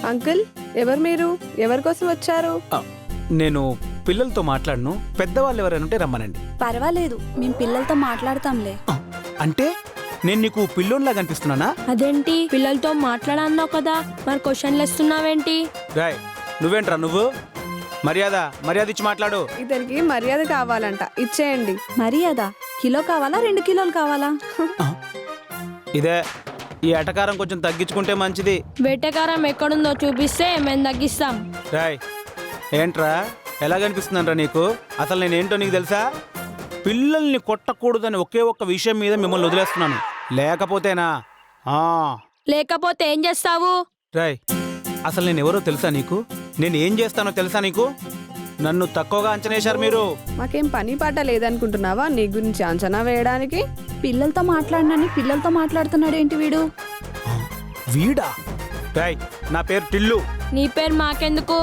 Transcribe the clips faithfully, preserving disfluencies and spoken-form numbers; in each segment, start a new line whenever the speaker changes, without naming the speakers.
Uncle, ఎవరు మీరు? ఎవరి కోసం వచ్చారు?
నేను పిల్లలతో మాట్లాడను, పెద్దవాళ్ళు ఎవరైనా ఉంటే రమ్మనండి.
పర్వాలేదు, మేము పిల్లలతో మాట్లాడతాంలే.
అంటే నేను నీకు పిల్లోన్లా కనిపిస్తున్నానా?
అదేంటి, పిల్లలతో మాట్లాడన్నావు కదా, మరి క్వశ్చన్లు ఇస్తున్నావేంటి?
రాయ్, నువ్వేంట్రా నువ్వు? మర్యాద మర్యాద ఇచ్చి మాట్లాడు.
ఇతనికి మర్యాద కావాలంట, ఇచ్చేయండి.
మర్యాద కిలో కావాలా, రెండు కిలోలు కావాలా?
ఇదే, ఈ ఎటకారం కొంచెం తగ్గించుకుంటే మంచిది.
వేటకారం ఎక్కడుందో చూపిస్తే మేము తగ్గిస్తాం.
రాయ్, ఏంట్రా ఎలా కనిపిస్తుందంట్రా నీకు? అసలు నేనేంటో నీకు తెలుసా? పిల్లల్ని కొట్టకూడదని ఒకే ఒక్క విషయం మీద మిమ్మల్ని వదిలేస్తున్నాను. లేకపోతేనా ఆ
లేకపోతే ఏం చేస్తావు?
రాయ్, అసలు నేను ఎవరో తెలుసా నీకు? నేను ఏం చేస్తానో తెలుసా నీకు? నన్ను తక్కువగా అంచనా వేశారు మీరు.
మాకేం పని పాట లేదనుకుంటున్నావా నీ గురించి అంచనా వేయడానికి?
పిల్లలతో మాట్లాడినని పిల్లలతో మాట్లాడుతున్నాడు ఏంటి వీడు?
వీడా? రాయ్, నా పేరు టిల్లు.
నీ పేరు మాకెందుకు?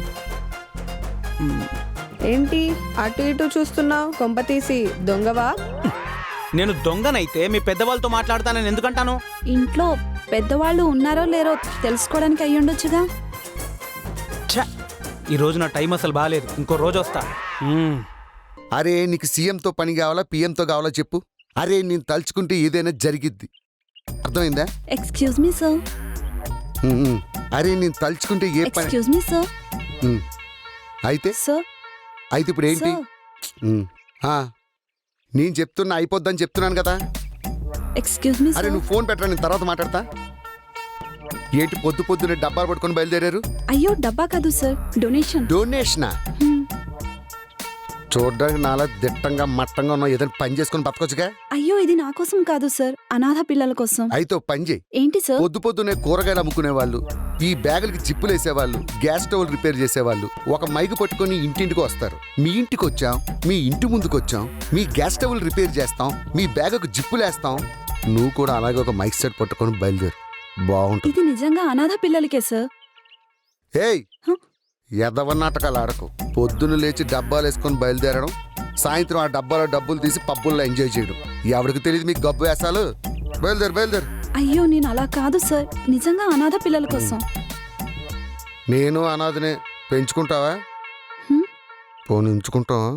ఏంటి అటు ఇటు చూస్తున్నావు? కొంప తీసి దొంగవా?
నేను దొంగనైతే మీ పెద్దవాళ్ళతో మాట్లాడతానని ఎందుకంటాను?
ఇంట్లో పెద్దవాళ్ళు ఉన్నారో లేరో తెలుసుకోవడానికి అయ్యుండొచ్చుగా.
ఛ, ఈ రోజు నా టైం అసలు బాగాలేదు, ఇంకో రోజు వస్తా. మ్మ్.
అరే నీకు సీఎంతో పని కావాలా పిఎంతో కావాలా చెప్పు. అరే నేను తలుచుకుంటే ఏదైనా జరిగిద్ది, అర్థమైందా?
Excuse me sir.
ఉమ్, ఉమ్. అరే నేను తలుచుకుంటే ఏ పని.
Excuse me sir.
ఉమ్. అయితే
సార్
అయితే ఇప్పుడు ఏంటి?
సార్.
ఉమ్. ఆ, నేను చెప్తున్నా అయిపోద్దని చెప్తున్నాను కదా.
ఎక్స్క్యూజ్ మీ
అరే
సార్.
నువ్వు ఫోన్ పెట్టరా, నేను తర్వాత మాట్లాడతా. ఏంటి పొద్దు పొద్దునే డబ్బాలు పట్టుకొని బయలుదేరారు?
అయ్యో డబ్బా కాదు సార్, డొనేషన్.
డొనేషనా? చూడడానికి నాలా దిట్టంగా మట్టంగా ఉన్నావు, ఏదైనా పని చేసుకుని బతకొచ్చుగా.
అయ్యో ఇది నా కోసం కాదు సార్, అనాథ పిల్లల కోసం.
అయితే ఓ పని చేయి.
ఏంటి సార్?
పొద్దు పొద్దునే కూరగాయలు అమ్ముకునే వాళ్ళు, ఈ బ్యాగులకి జిప్పులు వేసేవాళ్ళు, గ్యాస్ స్టవ్ రిపేర్ చేసేవాళ్ళు ఒక మైకు పట్టుకొని ఇంటింటికి వస్తారు. మీ ఇంటికి వచ్చాం, మీ ఇంటి ముందుకు వచ్చాం, మీ గ్యాస్ స్టవ్లు రిపేర్ చేస్తాం, మీ బ్యాగుకు జిప్పులు వేస్తాం. నువ్వు కూడా అలాగే ఒక మైక్ సెట్ పట్టుకొని బయలుదేరు, బాగుంటుంది.
ఇది నిజంగా అనాథ పిల్లలకే సార్.
ఏయ్ ఎదవ నాటకాలు ఆడకు. పొద్దున్న లేచి డబ్బాలు వేసుకొని బయలుదేరడం, సాయంత్రం ఆ డబ్బాలో డబ్బులు తీసి పబ్బుల్లో ఎంజాయ్ చేయడం. ఎవరికి తెలియదు మీకు గబ్బు వేసాలు. బయలుదేరు బయలుదేరు.
అయ్యో నేను అలా కాదు సార్, నిజంగా అనాథ పిల్లల కోసం.
నేను అనాథనే, పెంచుకుంటావా?
హ్మ్?
పోనీ ఉంచుకుంటావా?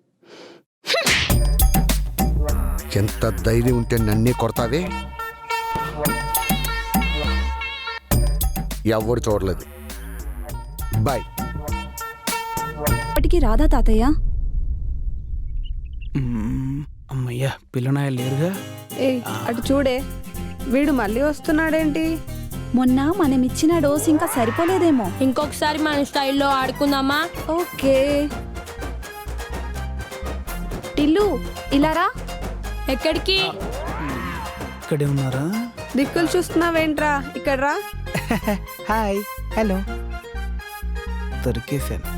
ఎంత ధైర్యం ఉంటే నన్నే కొడతావే. ఎవడు చూడలేదు. బాయ్.
ఇప్పటికి రాదా తాతయ్య?
మ్మ్. అమ్మయ్యా, పిల్లనాయలు లేరుగా.
ఏ అటు చూడే, వీడు మళ్ళీ వస్తున్నాడేంటి?
మొన్న మనం ఇచ్చిన డోస్ ఇంకా సరిపోలేదేమో.
ఇంకొకసారి మన స్టైల్లో ఆడుకుందామా?
ఓకే. టిల్లు ఇలా రా.
ఎక్కడికి?
ఇక్కడే ఉన్నారా?
దిక్కులు చూస్తున్నావేంట్రా, ఇక్కడ రా.
Hi, hello. దొరికేశాను.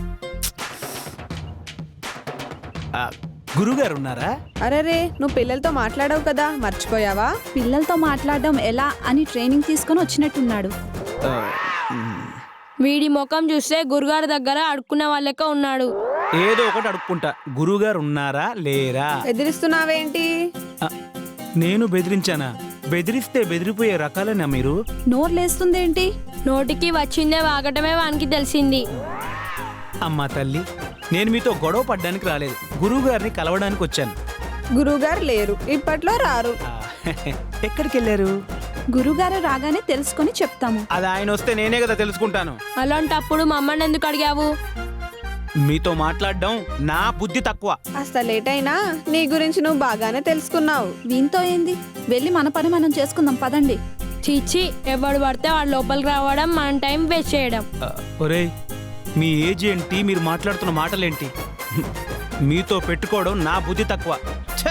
గురుగారు ఉన్నారా?
అరే రే, నువ్వు పిల్లలతో మాట్లాడావు కదా, మర్చిపోయావా?
పిల్లలతో మాట్లాడడం ఎలా అని ట్రైనింగ్ తీసుకొని వచ్చినట్టున్నాడు.
ఆ, మ్మ్.
వీడి ముఖం చూస్తే గురుగారి దగ్గర అడుక్కునే వాళ్ళక ఉన్నాడు.
ఏదో ఒకటి అడుక్కుంటా. గురుగారు ఉన్నారా లేరా?
ఎదిరిస్తున్నావేంటి?
ఆ, నేను బెదిరించానా? బెదిరిస్తే బెదిరిపోయే రకాలేనా మీరు?
నోరు లేస్తుందేంటి?
నోటికి వచ్చిందే వాగటమే వానికి తెలిసింది.
అమ్మా తల్లి, నేను మీతో గొడవ పడ్డానికి రాలేదు, గురువు గారిని కలవడానికి వచ్చాను.
గురువుగారు లేరు, ఇప్పట్లో రారు.
ఆ, ఎక్కడికి వెళ్ళారు?
గురుగారు రాగానే తెలుసుకొని చెప్తాము.
అది ఆయన వస్తే నేనే కదా తెలుసుకుంటాను.
అలాంటప్పుడు మమ్మల్ని ఎందుకు అడిగావు?
మీతో మాట్లాడడం నా బుద్ధి తక్కువ.
కాస్త లేట్ అయినా నీ గురించి నువ్వు బాగానే తెలుసుకున్నావు.
వీంతో ఏంది, వెళ్ళి మన పని మనం చేసుకుందాం పదండి.
చీచి, ఎవడు పడితే వాడు లోపలికి రావడం, మన టైం వేస్ట్ చేయడం.
ఆ, ఒరేయ్, మీ ఏజ్ ఏంటి, మీరు మాట్లాడుతున్న మాటలేంటి? మీతో పెట్టుకోవడం నా బుద్ధి తక్కువ. ఛ!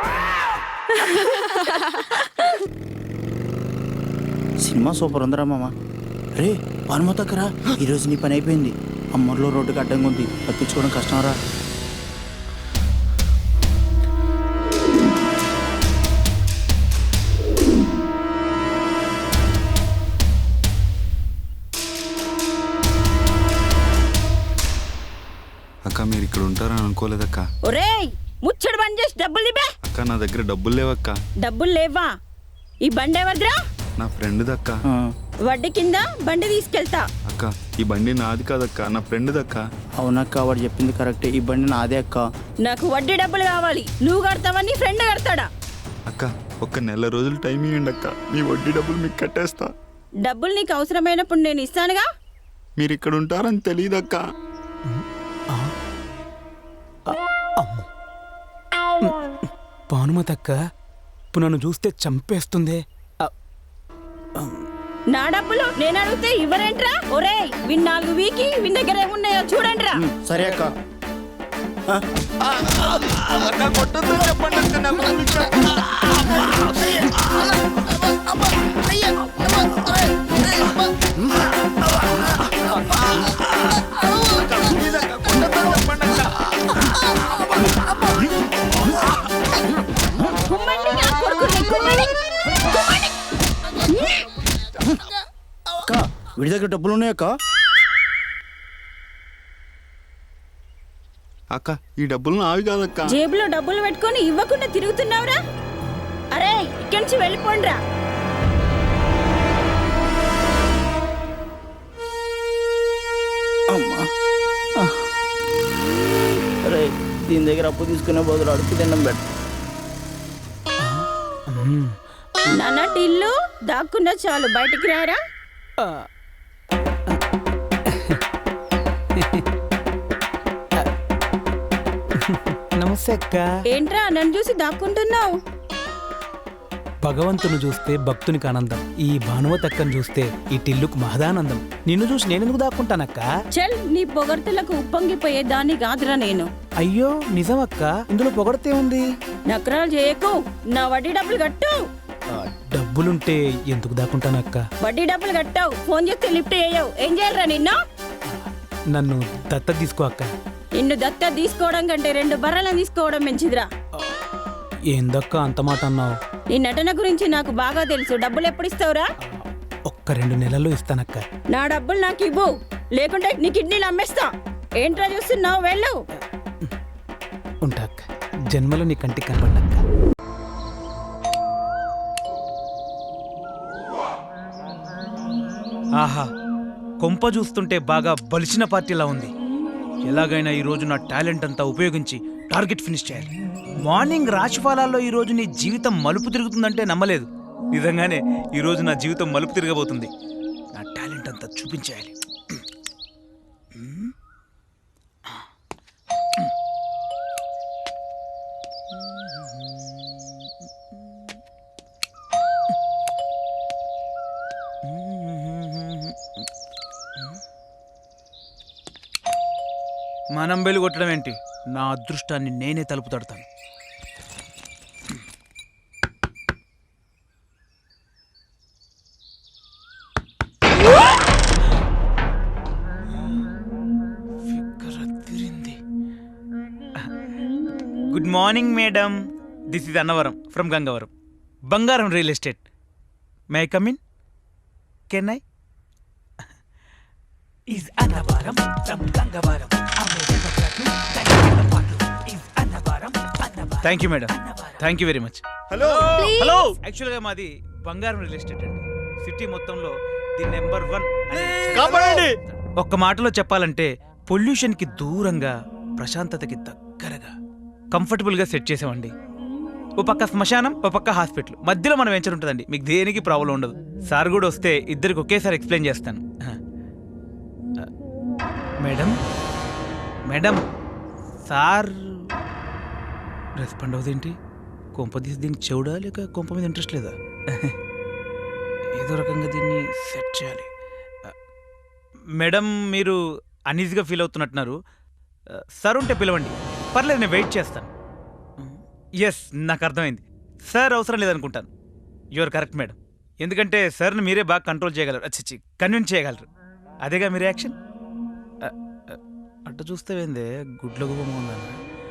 సినిమా సూపర్ ఉందిరా మామ. రే పనుమతక్కరా, ఈరోజు నీ పని అయిపోయింది. అమ్మర్లో రోడ్డుకి అడ్డంగా ఉంది, తప్పించుకోవడం కష్టంరా.
అక్క మీరు ఇక్కడ ఉంటారని అనుకోలేదక్క.
ఒరేయ్ ముచ్చడు బంద్ చేసి డబ్బులు ఇవ్వే.
అక్క నా దగ్గర డబ్బులు లేవక్క.
డబ్బులు లేవా? ఈ బండి ఎవరిదిరా?
నా ఫ్రెండ్ దక్క.
వడ్డీ కింద బండి తీసుకెళ్తా.
అక్క ఈ బండి నాది కాదక్క, నా ఫ్రెండ్ దక్క.
అవునక్క వాడు చెప్పింది కరెక్టే, ఈ బండి నాదే అక్క.
నాకు వడ్డీ డబ్బులు కావాలి. నువ్వు కడతావని ఫ్రెండ్ కడతాడా?
అక్క ఒక్క నెల రోజులు టైం ఇవ్వండి అక్క, మీ వడ్డీ డబ్బులు మీకు కట్టేస్తా.
డబ్బులు నీకు అవసరమైనప్పుడు నేను ఇస్తానుగా.
మీరు ఇక్కడ ఉంటారని తెలియదక్క.
భానుమతక్క ఇప్పుడు నన్ను చూస్తే చంపేస్తుంది.
నా డబ్బులు నేను అడిగితే ఇవ్వరేంట్రా? ఒరేయ్ విన్ నాలుగు వీకి విన్ దగ్గర ఏమున్నాయో చూడండిరా.
సరే అక్క.
కుమ్మండి నా కొడుకుని, కుమ్మండి.
అక్క వీడి దగ్గర డబ్బులు ఉన్నాయక్క.
అక్క ఈ డబ్బులు నావి కాదక్క.
జేబులో డబ్బులు పెట్టుకొని ఇవ్వకుండా తిరుగుతున్నావురా? అరే ఇక్కడి నుంచి వెళ్ళిపోండిరా.
అమ్మా అరే దీని దగ్గర అప్పు తీసుకునే బదులు అడుపు తిన్నాం బెట్.
నాన్న టిల్లు దాక్కున్నా చాలు, బయటికి రారా.
నమస్తే అక్క.
ఏంట్రా నన్ను చూసి దాక్కుంటున్నావు?
భగవంతుని చూస్తే భక్తునికి ఆనందం, ఈ భానుమతక్కను చూస్తే ఈ టిల్లుకు మహదానందం. నిన్ను చూసి నేనెందుకు దాక్కుంటానక్క?
చల్, నీ పొగడ్తలకు ఉప్పొంగిపోయే దాన్ని కాదురా నేను.
అయ్యో నిజమక్క, ఇందులో పొగడితే ఉంది.
నకరాలు చేయకు, నా వడ్డీ డబ్బులు కట్టు.
డబ్బులుంటే ఎందుకు దాక్కుంటానక్క?
వడ్డీ డబ్బులు కట్టావు, ఫోన్ చేస్తే లిఫ్ట్ చేయవు. ఏం చేయాలరా నిన్ను?
నన్ను దత్త తీసుకో అక్క.
నిన్ను దత్త తీసుకోవడం కంటే రెండు బర్రెలను తీసుకోవడం మంచిదిరా.
ఏందక్క అంత మాట అన్నావు?
నీ నటన గురించి నాకు బాగా తెలుసు. డబ్బులు ఎప్పుడు ఇస్తావురా?
ఒక్క రెండు నెలల్లో ఇస్తానక్క.
నా డబ్బులు నాకు ఇవ్వు, లేకుంటే నీ కిడ్నీలు అమ్మేస్తా. ఏంట్రా చూస్తున్నావు? వెళ్ళు.
ఉంటా అక్క, జన్మలో నీ కంటికి కనపడ్డాక్క. ఆహా, కొంప చూస్తుంటే బాగా బలిసిన పార్టీలా ఉంది. ఎలాగైనా ఈ రోజు నా టాలెంట్ అంతా ఉపయోగించి టార్గెట్ ఫినిష్ చేయాలి. మార్నింగ్ రాశిఫలాల్లో ఈ రోజు నీ జీవితం మలుపు తిరుగుతుందంటే నమ్మలేదు. నిజంగానే ఈ రోజు నా జీవితం మలుపు తిరగబోతుంది. నా టాలెంట్ అంతా చూపించేయాలి. మనం బెలు కొట్టడం ఏంటి? నా అదృష్టాన్ని నేనే తలుపు తడతాను. Good morning madam, this is Annavaram from Gangavaram, Bangaram real estate. May I come in? Can I? is Annavaram from Gangavaram. Thank you madam, thank you very much. Hello hello యాక్చువల్గా మాది బంగారం రియల్ ఎస్టేట్ అండి. సిటీ మొత్తంలో ది నెంబర్ వన్. ఒక్క మాటలో చెప్పాలంటే పొల్యూషన్కి దూరంగా, ప్రశాంతతకి దగ్గరగా, కంఫర్టబుల్గా సెట్ చేసామండి. ఓ పక్క శ్మశానం, ఓ పక్క హాస్పిటల్, మధ్యలో మనం వెంచర్ ఉంటుందండి. మీకు దేనికి ప్రాబ్లం ఉండదు. సార్ కూడా వస్తే ఇద్దరికి ఒకేసారి ఎక్స్ప్లెయిన్ చేస్తాను. మేడం మేడం సార్ రెస్పాండ్ అవుదేంటి? కొంప తీసి దీనికి చెవుడా లేక కొంప మీద ఇంట్రెస్ట్ లేదా? ఏదో రకంగా దీన్ని సెట్ చేయాలి. మేడం మీరు అన్ఈజీగా ఫీల్ అవుతున్నట్టున్నారు. సార్ ఉంటే పిలవండి, పర్లేదు నేను వెయిట్ చేస్తాను. ఎస్, నాకు అర్థమైంది. సార్ అవసరం లేదనుకుంటాను. యువర్ కరెక్ట్ మేడం, ఎందుకంటే సార్ని మీరే బాగా కంట్రోల్ చేయగలరు, అచ్చచ్చి కన్విన్స్ చేయగలరు. అదేగా మీ రియాక్షన్. అట్ట చూస్తే ఏందే గుడ్ల గుమ్మందని.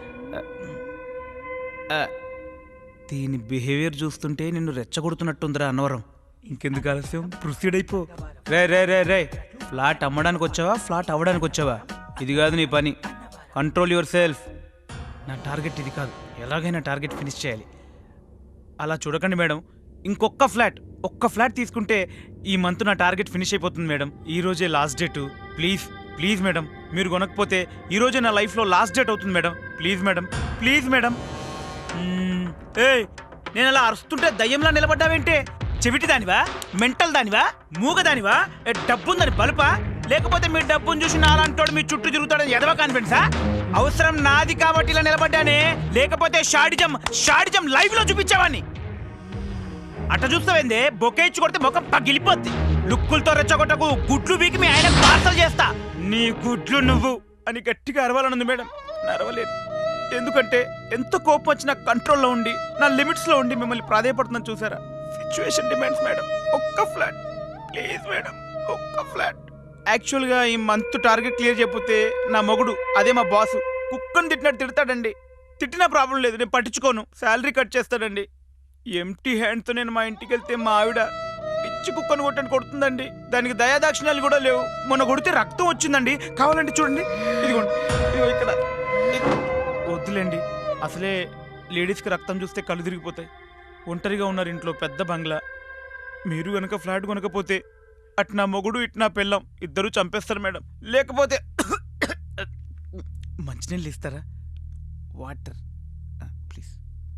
దీని బిహేవియర్ చూస్తుంటే నిన్ను రెచ్చగొడుతున్నట్టుందిరా అన్నవరం. ఇంకెందుకు ఆలస్యం, ప్రొసీడ్ అయిపో. రే రే రే రే ఫ్లాట్ అమ్మడానికి వచ్చావా, ఫ్లాట్ అవ్వడానికి వచ్చావా? ఇది కాదు నీ పని. Control yourself. నా టార్గెట్ ఇది కాదు, ఎలాగైనా టార్గెట్ ఫినిష్ చేయాలి. అలా చూడకండి మేడం, ఇంకొక ఫ్లాట్ ఒక్క ఫ్లాట్ తీసుకుంటే ఈ మంత్ నా టార్గెట్ ఫినిష్ అయిపోతుంది మేడం. ఈ రోజే last date. Please please madam, మీరు కొనకపోతే ఈ రోజే నా లైఫ్లో లాస్ట్ డేట్ అవుతుంది madam. Please madam, please madam. ఏ నేను అలా అరుస్తుంటే దయ్యంలా నిలబడ్డావేంటే? చెవిటి దానివా, మెంటల్ దానివా, మూగ దానివా, ఏ డబ్బుందని బలుపా, లేకపోతే మీ డబ్బును చూసి నాలంటోడు మీ చుట్టూ తిరుగుతాడని ఎదవ కాన్ఫిడెన్సా? అవసరం నాది కాబట్టి ఇలా నిలబడ్డానే, లేకపోతే షాడిజం షాడిజం లైవ్ లో చూపించావాన్ని. అట్ట చూస్తావేందే, బొకే ఇచ్చి కొడితే ముఖం పగిలిపోద్ది. లుక్కులతో రెచ్చగొట్టకు, గుడ్లు వీకి మీ ఆయన పార్సల్ చేస్తా. నీ గుడ్లు నువ్వు అని గట్టిగా అరవాలనుంది మేడం, అరవలేదు. ఎందుకంటే ఎంత కోపం వచ్చినా కంట్రోల్లో ఉండి నా లిమిట్స్లో ఉండి మిమ్మల్ని ప్రాధాయపడుతున్నాను చూసారా. సిచ్యువేషన్ డిమాండ్స్ మేడం, ఒక్క ఫ్లాట్ ప్లీజ్ మేడం, ఒక్క ఫ్లాట్. యాక్చువల్గా ఈ మంత్ టార్గెట్ క్లియర్ చేయకపోతే నా మొగుడు, అదే మా బాసు, కుక్కను తిట్టినట్టు తిడతాడండి. తిట్టినా ప్రాబ్లం లేదు, నేను పట్టించుకోను, శాలరీ కట్ చేస్తాడండి. ఎంటీ హ్యాండ్తో నేను మా ఇంటికి వెళ్తే మా ఆవిడ పిచ్చి కుక్కను కొట్టని కొడుతుందండి. దానికి దయాదాక్షిణ్యాలు కూడా లేవు. మొన్న కొడితే రక్తం వచ్చిందండి, కావాలంటే చూడండి, ఇదిగోండి, ఇదిగో ఇక్కడ. వద్దులేండి, అసలే లేడీస్కి రక్తం చూస్తే కళ్ళు తిరిగిపోతాయి. ఒంటరిగా ఉన్నారు ఇంట్లో, పెద్ద బంగ్లా. మీరు కనుక ఫ్లాట్ కొనకపోతే అటు నా మొగుడు ఇటు నా పెళ్ళం ఇద్దరూ చంపేస్తారు మేడం. లేకపోతే మంచినీళ్ళు ఇస్తారా? Water please.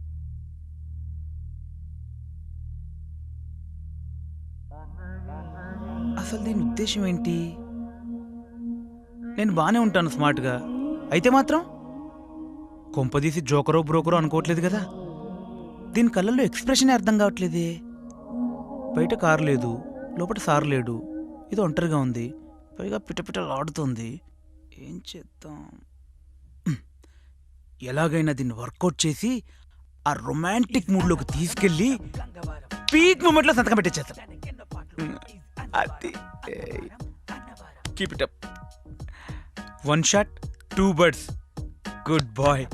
అసలు దీని ఉద్దేశం ఏంటి? నేను బాగానే ఉంటాను స్మార్ట్గా, అయితే మాత్రం కొంపదీసి జోకరో బ్రోకరో అనుకోవట్లేదు కదా. దీని కళ్ళల్లో ఎక్స్ప్రెషన్ అర్థం కావట్లేదే. బయట కారు లేదు, లోపల సారు లేడు, ఇది ఒంటరిగా ఉంది, పైగా పిటపిటలాడుతుంది. ఏం చేద్దాం? ఎలాగైనా దీన్ని వర్కౌట్ చేసి ఆ రొమాంటిక్ మూడ్లోకి తీసుకెళ్ళి పీక్ మూమెంట్లో సంతకం పెట్టేసేస్తాం. అది keep it up. One shot two birds. Good boy.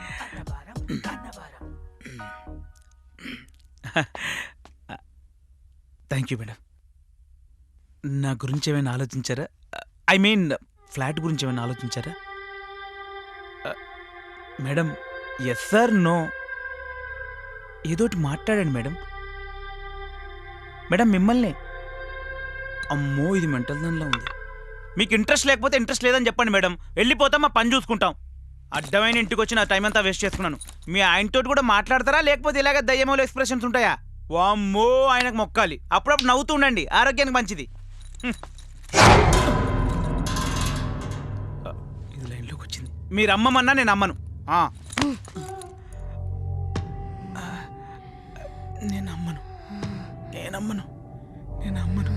Thank you madam. నా గురించి ఏమైనా ఆలోచించారా? ఐ మీన్ ఫ్లాట్ గురించి ఏమైనా ఆలోచించారా? మేడం ఎస్ సార్ నో ఏదోటి మాట్లాడండి మేడం. మేడం మిమ్మల్ని. అమ్మో ఇది మెంటల్ దానిలో ఉంది. మీకు ఇంట్రెస్ట్ లేకపోతే ఇంట్రెస్ట్ లేదని చెప్పండి మేడం, వెళ్ళిపోతాం, మా పని చూసుకుంటాం. అడ్డమైన ఇంటికి వచ్చి నా టైం అంతా వేస్ట్ చేసుకున్నాను. మీ ఆయనతో కూడా మాట్లాడతారా, లేకపోతే ఇలాగ దయ్యమూల ఎక్స్ప్రెషన్స్ ఉంటాయా? వామ్మో ఆయనకు మొక్కాలి. అప్పుడప్పుడు నవ్వుతూ ఉండండి, ఆరోగ్యానికి మంచిది. ఇది లైన్లోకి వచ్చింది. మీరు అమ్మమన్నా నేను అమ్మను. నేను అమ్మను, నేను అమ్మను, నేను అమ్మను.